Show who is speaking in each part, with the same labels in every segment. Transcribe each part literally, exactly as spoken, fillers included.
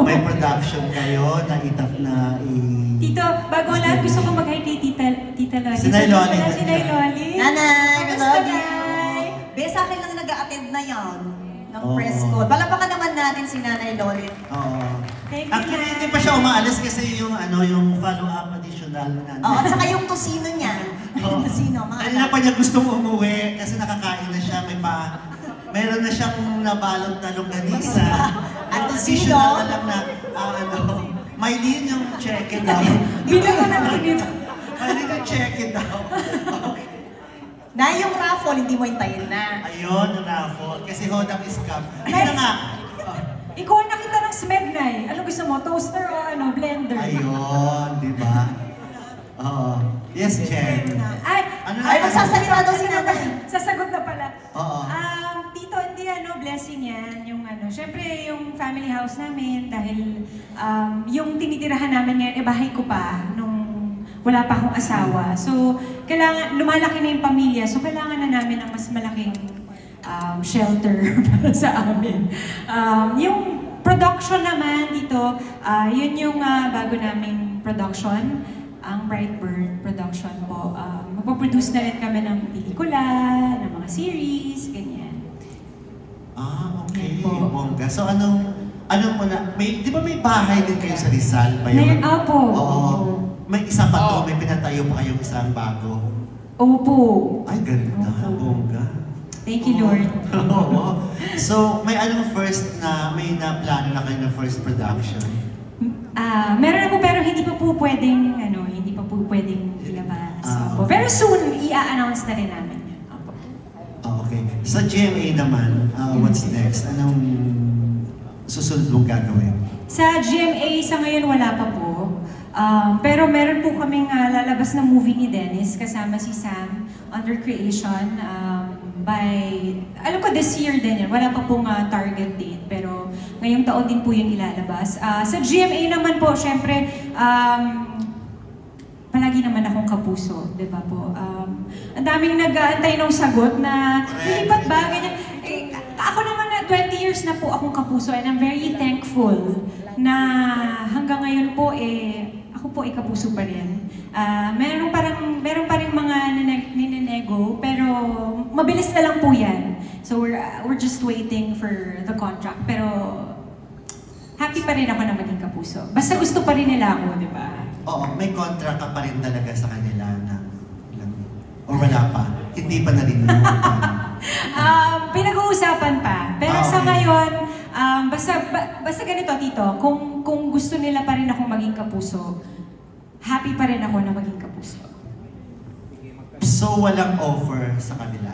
Speaker 1: may production kayo na itap na i...
Speaker 2: Tito, bago ang lahat, gusto ko mag-hi kay Tita, Tita Loli.
Speaker 1: Si Nay Loli.
Speaker 2: Si Nay Loli.
Speaker 3: Nanay, I
Speaker 2: Kamusta,
Speaker 3: love you.
Speaker 2: Nay?
Speaker 3: Be, sa akin lang nag-a-attend na yan ng
Speaker 1: Oo.
Speaker 3: press call. Palapakan naman natin si Nanay Loli.
Speaker 1: Oo.
Speaker 2: Thank you,
Speaker 1: Actually,
Speaker 2: Nay.
Speaker 1: hindi pa siya umaalis kasi yung ano yung follow-up additional na
Speaker 3: Oo, at saka yung tosino niya. Yung tosino, mga
Speaker 1: Kanina pa niya gustong umuwi kasi nakakain na siya, may pa... Meron na siyang nabalot na longganisa.
Speaker 3: At
Speaker 1: Yung
Speaker 3: tosino.
Speaker 1: additional na lang na, ah, ano, may din yung check it out.
Speaker 2: Bilang ko na lang dito.
Speaker 1: May din yung check it out.
Speaker 3: Na yung raffle, hindi mo hintayin na.
Speaker 1: Ayun, yung raffle. Kasi hodang scam. Ayun na nga.
Speaker 2: Ikaw ang nakita ng smeg, Nay. Ano gusto mo? Toaster o ano? Blender?
Speaker 1: Ayun, di ba? Oo. Yes, Jen.
Speaker 2: Ay,
Speaker 1: Ano
Speaker 3: Ay,
Speaker 1: na-
Speaker 3: magsasalita daw si Nanay.
Speaker 2: sasagot na pala.
Speaker 1: Oo.
Speaker 2: Um, tito, hindi ano, blessing yan. Yung ano, syempre yung family house namin dahil um, yung tinitirahan namin ngayon, eh bahay ko pa nung wala pa akong asawa. So, kailangan, lumalaki na yung pamilya. So, kailangan na namin ng mas malaking um, shelter para sa amin. Um, yung production naman dito, ah, yun yung ah, bago naming production. Ang Brightburn production po. Um, magpaproduce na rin kami ng pelikula, ng mga series, ganyan.
Speaker 1: Ah, okay.
Speaker 2: Opo.
Speaker 1: Bongga. So, anong, anong muna, may, di ba may bahay din kayo sa Rizal ba
Speaker 2: May,
Speaker 1: yun?
Speaker 2: opo.
Speaker 1: Oo. May isa pa to,
Speaker 2: Oo.
Speaker 1: may pinatayo pa kayong isang bago.
Speaker 2: Opo.
Speaker 1: Ay, ganda.
Speaker 2: Opo.
Speaker 1: Bongga.
Speaker 2: Thank you, Lord.
Speaker 1: Oo. So, may anong first na, may na plano na kayo na first production?
Speaker 2: Ah, meron ako pero hindi pa po pwedeng, ano, hindi pa po pwedeng ilabas.
Speaker 1: Ah,
Speaker 2: Opo.
Speaker 1: okay.
Speaker 2: Pero soon, i-announce na rin namin yun. Opo.
Speaker 1: Ah, okay. Sa G M A naman, uh, what's next? Anong susunod mong gagawin?
Speaker 2: Sa G M A, sa ngayon wala pa po. Um, pero meron po kaming ah, lalabas na movie ni Dennis kasama si Sam under creation um, by, alam ko this year din yan, wala pa pong ah, target date pero ngayong taon din po yun ilalabas. Ah, sa G M A naman po, syempre, um, palagi naman akong kapuso, di ba po? Um, ang daming nag-aantay ng sagot na, lilipat ba? Ganyan. Eh, ako naman na twenty years na po akong kapuso and I'm very thankful na hanggang ngayon po eh, ako po ay kapuso pa rin. Ah, meron parang, meron pa rin mga nine- ninenego, pero mabilis na lang po yan. So we're, we're just waiting for the contract. Pero happy pa rin ako na maging kapuso. Basta gusto pa rin nila ako, di ba?
Speaker 1: Oo, may contract ka pa rin talaga sa kanila na ilang, or wala pa? Hindi pa narinig.
Speaker 2: Um, pinag-uusapan pa. Pero
Speaker 1: Ah,
Speaker 2: sa
Speaker 1: okay.
Speaker 2: ngayon, um, basta, ba- basta ganito, Tito, kung, kung gusto nila pa rin akong maging kapuso, happy pa rin ako na maging kapuso.
Speaker 1: So, walang offer sa kanila?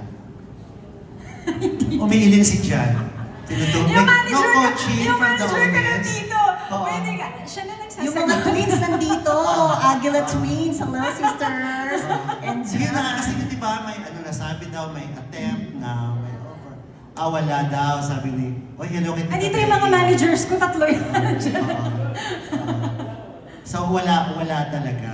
Speaker 1: Umiiling si Jan. Tinutulog.
Speaker 2: Yung manager
Speaker 1: no
Speaker 2: ka,
Speaker 1: coaching
Speaker 2: yung
Speaker 1: from the
Speaker 2: manager ka ng
Speaker 1: audience.
Speaker 2: Tito,
Speaker 1: Oo.
Speaker 2: pwede ka, siya na nagsasagot.
Speaker 3: Yung mga twins nandito, Aguila twins, hello sisters. And
Speaker 1: Sige na, kasi di ba may ano nasabi daw, may attempt na may offer. Ah, wala daw, sabi ni, oh, hello kita.
Speaker 2: Andito yung mga managers ko, tatlo yun.
Speaker 1: So, wala, wala talaga.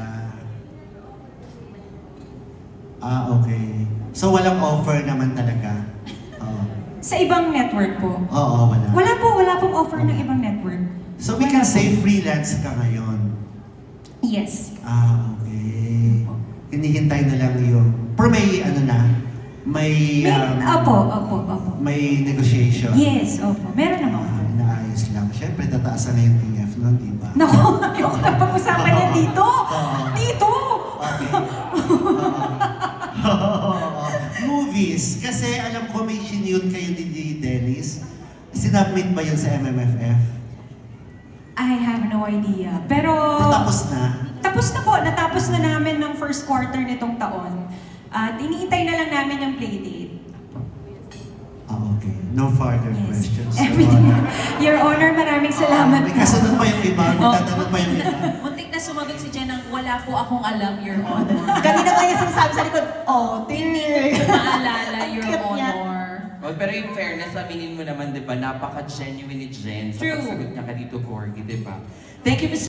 Speaker 1: Ah, okay. So, walang offer naman talaga. Oo.
Speaker 2: Sa ibang network po.
Speaker 1: Oo, wala.
Speaker 2: Wala po, wala pong offer ng ibang network.
Speaker 1: So, we can say freelance ka ngayon.
Speaker 2: Yes.
Speaker 1: Ah, okay. Hinihintay na lang yung... Pero may ano na, may...
Speaker 2: May,
Speaker 1: um,
Speaker 2: opo, opo, opo.
Speaker 1: May negotiation.
Speaker 2: Yes, opo. Meron naman.
Speaker 1: Ah, inaayos lang. Siyempre, tataasan na yung T F nun, di ba?
Speaker 2: Naku, ayoko na pag-usapan yan dito.
Speaker 1: Oo.
Speaker 2: Dito!
Speaker 1: Okay. Oo. Movies. Kasi alam ko may sinute kayo ni Dennis. Sinubmit ba yun sa M M F F?
Speaker 2: I have no idea. Pero...
Speaker 1: Natapos na?
Speaker 2: Tapos na po. Natapos na namin ng first quarter nitong taon. At iniintay na lang namin yung playdate.
Speaker 1: Ah, okay. No further
Speaker 2: Yes.
Speaker 1: questions.
Speaker 2: Everything. Your Honor, maraming salamat
Speaker 1: May
Speaker 2: po.
Speaker 1: kasunod pa yung iba. May
Speaker 4: Oh.
Speaker 1: tatanong pa yung iba.
Speaker 4: Muntik na sumagot si Jen ng wala po akong alam, Your Honor.
Speaker 3: kanina pa yung sinasabi sa likod, oh, tinig.
Speaker 4: Maalala, Your
Speaker 3: Cute niya.
Speaker 4: Honor.
Speaker 5: Well, pero in fairness, aminin mo naman, di ba, napaka-genuine ni Jen sa
Speaker 4: True.
Speaker 5: pagsagot niya ka dito, Corgi, di ba? Thank you, Miss